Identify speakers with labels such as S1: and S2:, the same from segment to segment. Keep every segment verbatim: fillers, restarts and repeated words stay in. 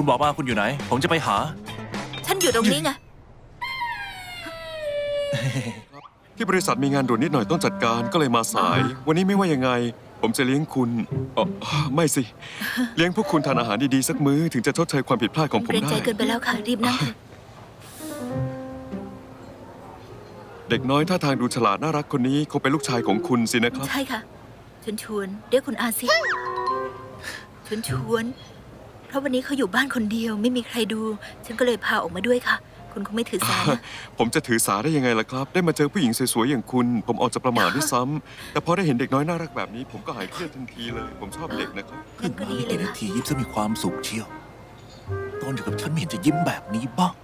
S1: บอกว่าคุณอยู่ไหนผมจะไปหา
S2: ฉันอยู่ตรงนี้ไง
S3: ที่บริษัทมีงานด่วนนิดหน่อยต้องจัดการก็เลยมาสาย วันนี้ไม่ว่ายังไง ผมจะเลี้ยงคุณอ๋อไม่สิ เลี้ยงพวกคุณทานอาหารดีๆสักมื้อถึงจะชดเชยความผิดพลาดของผม
S2: เกรง
S3: ได้
S2: ใจเกินไปแล้วค่ะ รีบนั่งเถอะ
S3: เด็กน้อยท่าทางดูฉลาดน่ารักคนนี้คงเป็นลูกชายของคุณสินะครับ
S2: ใช่ค่ะชวนชวนเรียกคุณอาสิชวนชวนเพราะวันนี้เขาอยู่บ้านคนเดียวไม่มีใครดู ฉันก็เลยพาออกมาด้วยค่ะ คุณคงไม่ถือสานะ
S3: ผมจะถือสาได้ยังไงล่ะครับ ได้มาเจอผู้หญิงสวยๆอย่างคุณ ผมออกจะประมาทด้วยซ้ำแต่พอได้เห็นเด็กน้อยน่ารักแบบนี้ ผมก็หายเครียดทันทีเลย ผมชอบเด็กนะครับ
S2: งั้นก็ดีเลย
S1: นา
S2: ค่ะ
S1: ทียิ้มซะมีความสุขเชียวตอนอยู่กับฉันไม่เห็นจะยิ้มแบบนี้บ้าง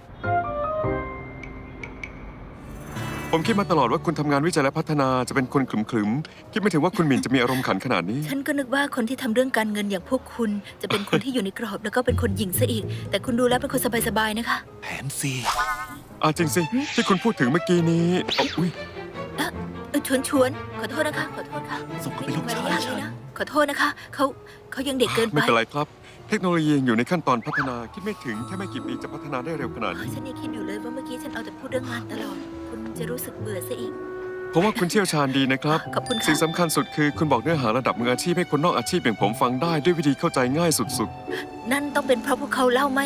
S3: ผมคิดมาตลอดว่าคุณทำงานวิจัยและพัฒนาจะเป็นคนขรึมๆคิดไม่ถึงว่าคุณหมิ่นจะมีอารมณ์ขันขนาดนี้
S2: ฉันก็นึกว่าคนที่ทำเรื่องการเงินอย่างพวกคุณ จะเป็นคนที่อยู่ในกรอบแล้วก็เป็นคนหญิงซะอีก แต่คุณดูแล้วเป็นคนสบายๆนะคะ
S1: แผนซี
S3: อ่าจริงสิ ที่คุณพูดถึงเมื่อกี้นี้อ๋ออุ้ย
S2: เอ่อเอ่อชวนชวนขอโทษนะคะ ขอโทษค่ะ
S1: ส่งเขา
S2: ไม่
S1: เป็น
S2: มี
S1: ลูก
S2: มาร
S1: ชาย
S2: ยาทเล
S1: ฉั
S2: ย
S1: น
S2: นะขอโทษนะคะเขาเขายังเด็กเกินไป
S3: ไม่เป็นไรครับ เทคโนโลยียังอยู่ในขั้นตอนพัฒนา คิดไม่ถึงแค่ไม่กี่ปีจะพัฒนาได้เร็วขนาด
S2: เฮ้ย
S3: นี้
S2: ฉันยังคิดอยู่เลยว่าเมื่อกี้ฉันเอาแต่พูดเรื่องงานตลอด คุณจะรู้สึกเบื่อซะอีก
S3: ผมว่าคุณเชี่ยวชาญดีนะครับ
S2: ขอบคุณค่ะ
S3: สิ่งสำคัญสุดคือคุณบอกเนื้อหาระดับมืออาชีพให้คนนอกอาชีพอย่างผมฟังได้ด้วยวิธีเข้าใจง่ายสุด
S2: นั่นต้องเป็นเพราะพวกเขาเล่าไม่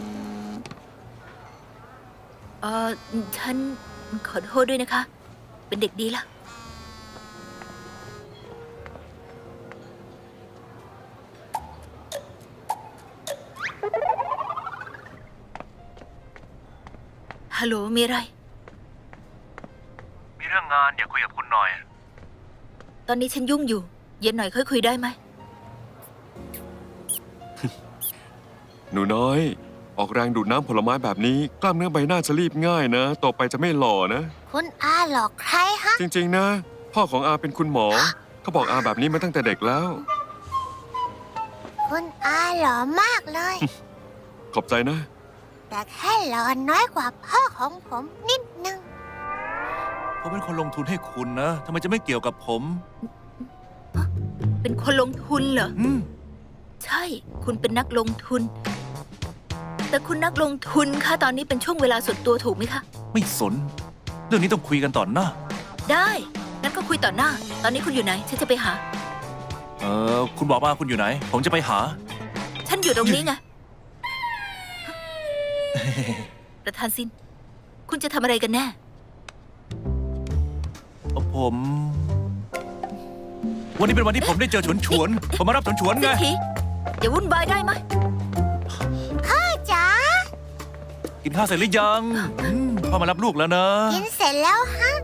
S2: เออฉันขอโทษด้วยนะคะ เป็นเด็กดีละฮัลโหล มีอะไร
S1: มีเรื่องงานอยากคุยกับคุณหน่อย
S2: ตอนนี้ฉันยุ่งอยู่ เย็นหน่อยค่อยคุยได้ไหม
S3: ๆ หนูน้อย ออกแรงดูดน้ำผลไม้แบบนี้ กล้ามเนื้อใบหน้าจะรีบง่ายนะ ต่อไปจะไม่หล่อนะ
S4: คุณอาหลอกใครฮะ
S3: จริงๆนะ พ่อของอาเป็นคุณหมอ เขาบอกอาแบบนี้มาตั้งแต่เด็กแล้ว
S4: คุณอาหล่อมากเลย
S3: ขอบใจนะ
S4: แต่แค่หล่อน้อยกว่าพ่อของผมนิดนึง
S1: ผมเป็นคนลงทุนให้คุณนะทำไมจะไม่เกี่ยวกับผม
S2: เป็นคนลงทุนเหรอ
S1: อืม
S2: ใช่ คุณเป็นนักลงทุน แต่คุณนักลงทุนคะตอนนี้เป็นช่วงเวลาส่วนตัวถูกไหมคะ
S1: ไม่สน เรื่องนี้ต้องคุยกันต่อหน้า
S2: ได้ งั้นก็คุยต่อหน้า ตอนนี้คุณอยู่ไหน ฉันจะไปหา
S1: เออคุณบอกว่าคุณอยู่ไหน ผมจะไปหา
S2: ฉันอยู่ตรงนี้ไง ประธานซิน คุณจะทำอะไรกันแน่
S1: ผม วันนี้เป็นวันที่ผมได้เจอฉวนฉวนๆผมมารับฉวนฉวนๆ
S2: สิ
S1: ไง
S2: ทีอย่าวุ่นวายได้ไหม
S4: พ่อจ๋า
S1: กินข้าวเสร็จหรือยังอืมพ่อมารับลูกแล้วนะ
S4: กินเสร็จแล้วฮะ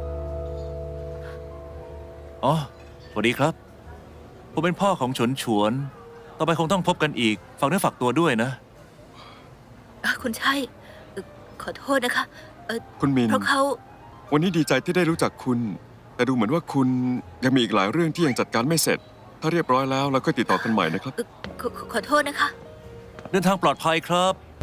S1: อ๋อสวัสดีครับ ผมเป็นพ่อของฉวนฉวนๆต่อไปคงต้องพบกันอีกฝากเนื้อฝากตัวด้วยนะ
S2: อ่ะคุณใช่เอ่อขอโทษนะคะ เออ
S3: คุณมิน
S2: เพราะเขา
S3: วันนี้ดีใจที่ได้รู้จักคุณ แต่ดูเหมือนว่าคุณยังมีอีกหลายเรื่องที่ยังจัดการไม่เสร็จ ถ้าเรียบร้อยแล้วเราก็ติดต่อกันใหม่นะครับ
S2: เอ่อขอขอขอโทษนะคะ
S1: เดินทางปลอดภัยครับ